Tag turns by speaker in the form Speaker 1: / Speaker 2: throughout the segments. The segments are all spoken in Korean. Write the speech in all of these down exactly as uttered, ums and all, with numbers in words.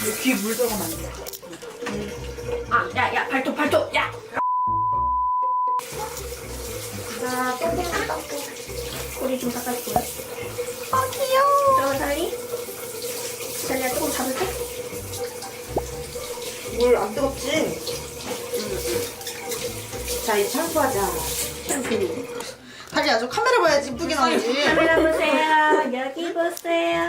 Speaker 1: 귀에 물 들어가면 안 돼.
Speaker 2: 아, 야, 야, 발톱, 발톱, 야! 자, 똥똥 닦고. 꼬리 좀 닦아줄게요.
Speaker 3: 아 귀여워.
Speaker 2: 그러면 달리? 달리야, 조금 잡을게?
Speaker 1: 물 안 뜨겁지? 자, 이제 샴푸하자.
Speaker 2: 샴푸.
Speaker 1: 다리 아주 카메라 봐야지 이쁘게 나오지.
Speaker 2: 카메라 보세요. 여기 보세요.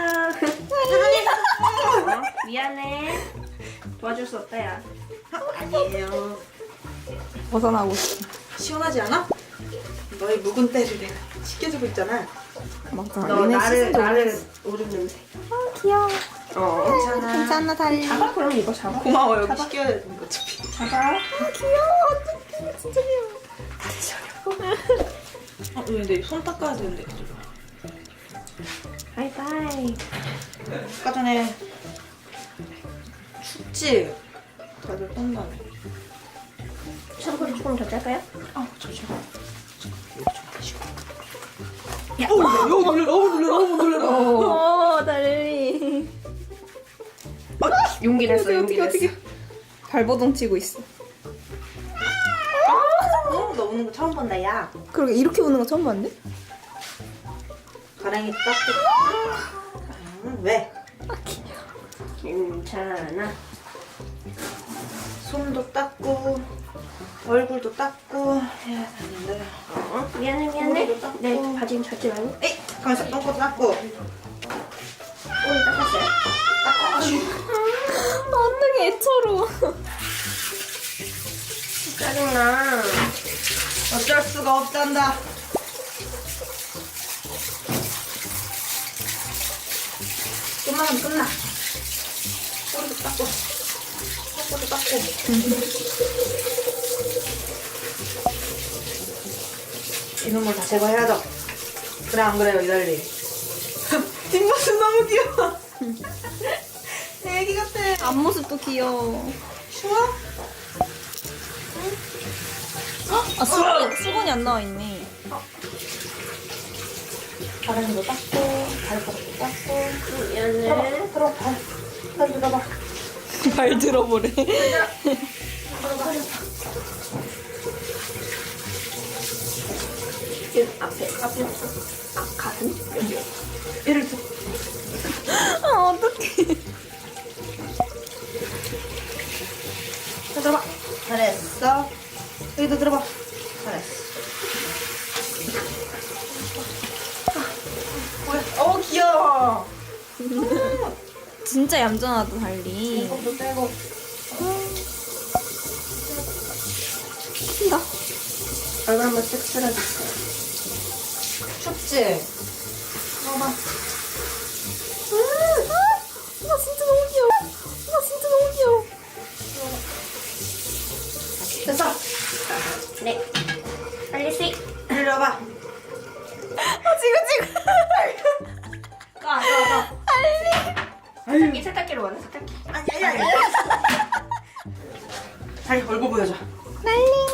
Speaker 2: 어, 미안해. 도와줄 수 없다, 야.
Speaker 1: 아니에요.
Speaker 3: 벗어나고 있어.
Speaker 1: 시원하지 않아? 너의 묵은 때를 내가 지켜주고 있잖아.
Speaker 3: 맞아.
Speaker 2: 너
Speaker 3: 얘네
Speaker 2: 나를,
Speaker 3: 시즌도
Speaker 2: 나를 오줌 냄새.
Speaker 3: 아 귀여워.
Speaker 2: 어.
Speaker 1: 괜찮아.
Speaker 3: 괜찮아 달리.
Speaker 2: 잡아, 그럼 이거 잡아.
Speaker 1: 고마워, 여기
Speaker 2: 잡아.
Speaker 1: 시켜야 되는 거 어차피.
Speaker 2: 잡아.
Speaker 3: 아 귀여워. 어떡해. 진짜 귀여워.
Speaker 1: 어, 근데 손 닦아야 되는데.
Speaker 2: 바이바이.
Speaker 1: 아까 전에 춥지? 다들 떤다네.
Speaker 2: 샴푸를 조금 더 짤까요?
Speaker 1: 아, 잠시만. 야, 어우, 너무 놀래, 너무 놀래, 너무 놀래.
Speaker 3: 어 달리.
Speaker 2: 용기 냈어, 용기
Speaker 3: 어떻게
Speaker 2: 냈어.
Speaker 3: 어떻게. 발버둥 치고 있어.
Speaker 1: 어, 너 우는 거 처음 본다, 야.
Speaker 3: 그러게 이렇게 우는 거 처음 봤는데?
Speaker 1: 가랑이 닦고. 음, 왜?
Speaker 2: 괜찮아.
Speaker 1: 손도 닦고, 얼굴도 닦고 해야 되는데.
Speaker 2: 어? 미안해, 미안해.
Speaker 1: 머리도 닦고.
Speaker 2: 내 바지 젖지 말고.
Speaker 1: 에이, 가만있어, 똥꼬도 닦고.
Speaker 2: 꼬리 닦았어요.
Speaker 3: 어떡해 애처로.
Speaker 2: 짜증나.
Speaker 1: 어쩔 수가 없단다. 좀만 하면 끝나. 꼬리도 닦고, 똥꼬도 닦고. 이놈을 다 제거해야죠. 그래, 안 그래요, 이달리? 뒷모습 너무 귀여워. 애기 같아.
Speaker 3: 앞모습도 귀여워.
Speaker 1: 추워?
Speaker 3: 아 수건이 수건이 안 나와 있네.
Speaker 1: 가랑이도 닦고, 발바닥도 닦고.
Speaker 2: 미안해.
Speaker 1: 들어, 발. 발 들어봐.
Speaker 3: 발 들어보래.
Speaker 2: 여기 앞에, 앞에. 아, 가슴? 여기.
Speaker 1: 얘를 들
Speaker 3: 아 어떡해.
Speaker 1: 들어봐. 잘했어. 여기도 들어봐. 잘했어. 뭐야? 어, 귀여워.
Speaker 3: 진짜 얌전하다 달리.
Speaker 1: 이것도 빼고.
Speaker 3: 나
Speaker 2: 얼굴 한번 쓱 쓸어주세요.
Speaker 1: 춥지? 봐봐.
Speaker 3: 나 진짜 너무 귀여워. 나 진짜 너무 귀여워.
Speaker 1: 됐어.
Speaker 2: 네. 빨리 씩.
Speaker 1: 들려봐.
Speaker 3: 아 지금 지금.
Speaker 1: 까, 까, 까.
Speaker 2: 세탁기, 세탁기로 와요, 세탁기.
Speaker 1: 아니, 아니, 아니. 다리 얼굴 보여줘.
Speaker 3: 달리.